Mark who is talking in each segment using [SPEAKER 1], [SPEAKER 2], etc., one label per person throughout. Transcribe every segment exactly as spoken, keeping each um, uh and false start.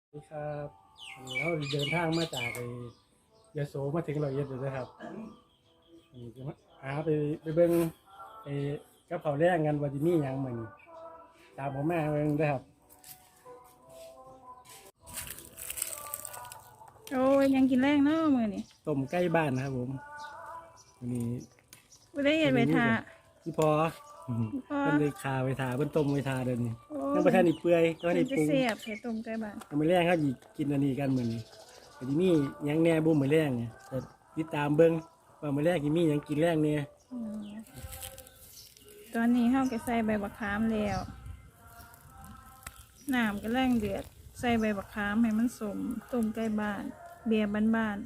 [SPEAKER 1] สวัสดีครับเราเดินทางมาจากไอ้ยโสมาถึงร้อยเอ็ดเลยนะครับอันนี้จะมาหาไปไปเบิ่งไอ้กับเขาวแรงกันว่าจะมีหยังมื้อนี้ตามผมมาเบิ่งเด้อครับ
[SPEAKER 2] โอ้ยยังกินแรงเนาะมือนี่
[SPEAKER 1] ต้มไก่บ้านนะครับผมอันนี้
[SPEAKER 2] ไม่ได้เห็นไปทา
[SPEAKER 1] ที่พอ
[SPEAKER 2] พอ
[SPEAKER 1] เพิ่นได้คาไว้ทาเพิ่นต้มไว้ทาเดี๋ยวนี้
[SPEAKER 2] โอ้
[SPEAKER 1] ยังบ่ทันได้เปื่อยก็
[SPEAKER 2] มัน
[SPEAKER 1] ได้
[SPEAKER 2] จะ
[SPEAKER 1] ปรุง
[SPEAKER 2] เสียบใส่ต้มไก่บ้าน
[SPEAKER 1] ยังมื้อแรงเขาสิกินอันนี้กันมื้อนี้ก็สิมีหยังแหน่บ่มื้อแรงเนี่ยแต่ติดตามเบิ่งว่ามื้อแรกสิมีหยังกินแรงเนี่ย
[SPEAKER 2] อืมตอนนี้เข้าก็ใส่ใบบักขามแล้วน้ำก็แรงเดือดใส่ใบบักขามให้มันสมต้มไก่บ้าน เบียร์บ้าน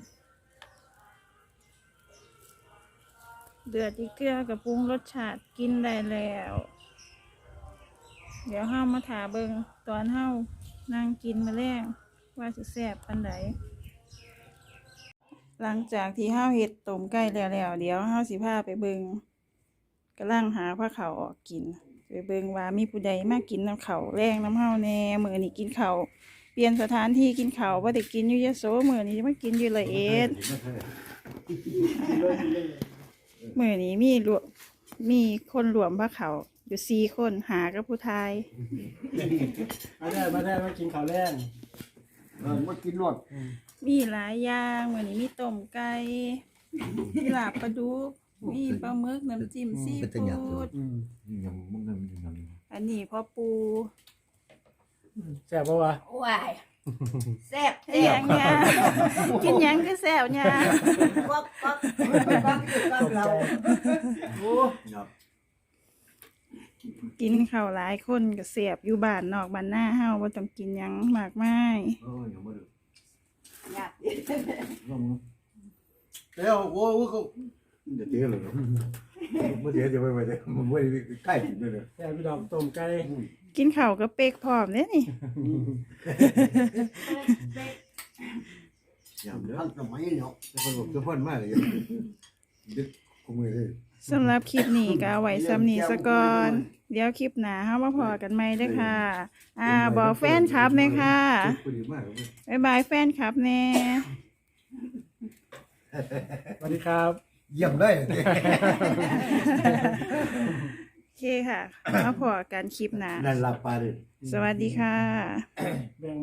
[SPEAKER 2] ๆเดือดอีกเกลือกับปรุงรสชาติกินได้แล้ว เดี๋ยวเฮามาถาเบิงตอนเฮานั่งกินมาแรงว่าสิแซ่บปันใดหลังจากที่เฮาเฮ็ดต้มไก่แล้วแล้วเดี๋ยวเฮาสิพาไปเบิงกำลังหาผ้าขาวออกกินไปเบิงว่ามีผู้ใดมากินน้ำเขาวแรงน้ำเฮาแน่มื้อนี้กินข้าวเปลี่ยนสถานที่กินข้าวบ่ได้กินอยู่ยโสมื้อนี้จะมากินอยู่ละเอ็ดมื้อนี้มีรวมมีคนรวมผ้าขาวอยู่สี่คนหากับผู้ชาย
[SPEAKER 1] มาได้มาได้มากินข้าวแรง
[SPEAKER 3] เออมากินรส
[SPEAKER 2] มีหลายอย่างมื้อนี้มีต้มไก่มีลาบปลาดุกมีปลาหมึกน้ำจิ้มซีฟู้ด
[SPEAKER 1] อืม
[SPEAKER 3] ยังมึงยังยัง
[SPEAKER 2] อันนี้พ่อปู
[SPEAKER 1] แซ่บบ่วะ
[SPEAKER 4] ว้ายแซ่บ
[SPEAKER 2] เฮ็ดหยังเนี่ยกินหยังคือแซ่บเนี่ย
[SPEAKER 4] ก๊อกก๊อกก๊อกก๊อกเรา
[SPEAKER 3] โอ้ยับ
[SPEAKER 2] กินข้าวหลายคนก็แซ่บอยู่บ้านนอกบ้านหน้าเฮาบ่ต้องกินหยังมากมาย
[SPEAKER 3] เออยังไม่ดู
[SPEAKER 4] อยาก
[SPEAKER 3] เดี๋ยวโอ้โหเขาเดี๋ยวเดี๋ยวเลยเมื่อเดี๋ยวจะไปไปเดี๋ยวมันไม่ใกล้ถึงเลย
[SPEAKER 1] แซ่บพี่ดอกต้มไก่
[SPEAKER 2] กินข้าวก็เป๊กพร้อมเด้นี่
[SPEAKER 3] อย่างเด้อทำสมัยเนาะจะคนบอกจะพ่นมากเลยดึกขมือเลย
[SPEAKER 2] สำหรับคลิปนี้ก็เอาไว้ซ้ำนี้ซะก่อนเดี๋ยวคลิปหน้าเฮามาพอกันใหม่เด้อค่ะ อ่าบอกแฟนคลับแม่ค่ะ
[SPEAKER 3] พอดีมากเลย
[SPEAKER 2] บ๊ายบายแฟนคลับแน่
[SPEAKER 1] สวัสดีครับ
[SPEAKER 3] เยี่ยมได้เลย
[SPEAKER 2] โอเคค่ะ มาพอกันคลิปหน้า
[SPEAKER 3] นั่นลาปาเลย
[SPEAKER 2] สวัสดีค่ะ
[SPEAKER 1] แบ่ง